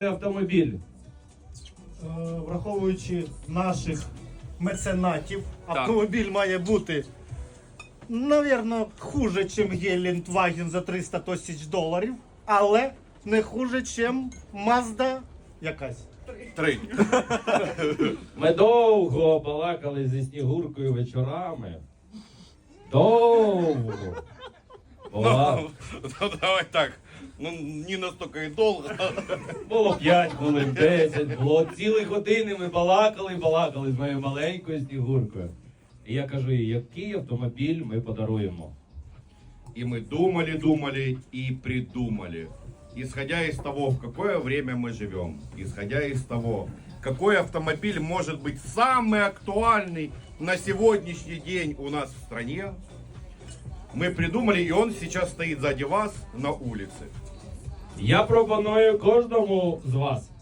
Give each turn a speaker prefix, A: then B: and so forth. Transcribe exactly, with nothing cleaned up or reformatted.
A: автомобіль.
B: Е, Враховуючи наших меценатів, автомобіль має бути, навірно, хуже, ніж Гелендваген за триста тисяч доларів, але не хуже, ніж Mazda якась.
C: Три.
A: Ми довго балакали зі Снігуркою вечорами. Довго. Була.
C: Ну, давай так. Ну, не настолько и долго.
A: Було п'ять хвилин, десять, було цілі години ми балакали, балакали з моєю маленькою Снігуркою. І я кажу їй, який автомобіль ми подаруємо.
C: И мы думали, думали и придумали. Исходя из того, в какое время мы живем, исходя из того, какой автомобиль может быть самый актуальный на сегодняшний день у нас в стране, мы придумали, и он сейчас стоит сзади вас на улице.
A: Я пропоную кожному з вас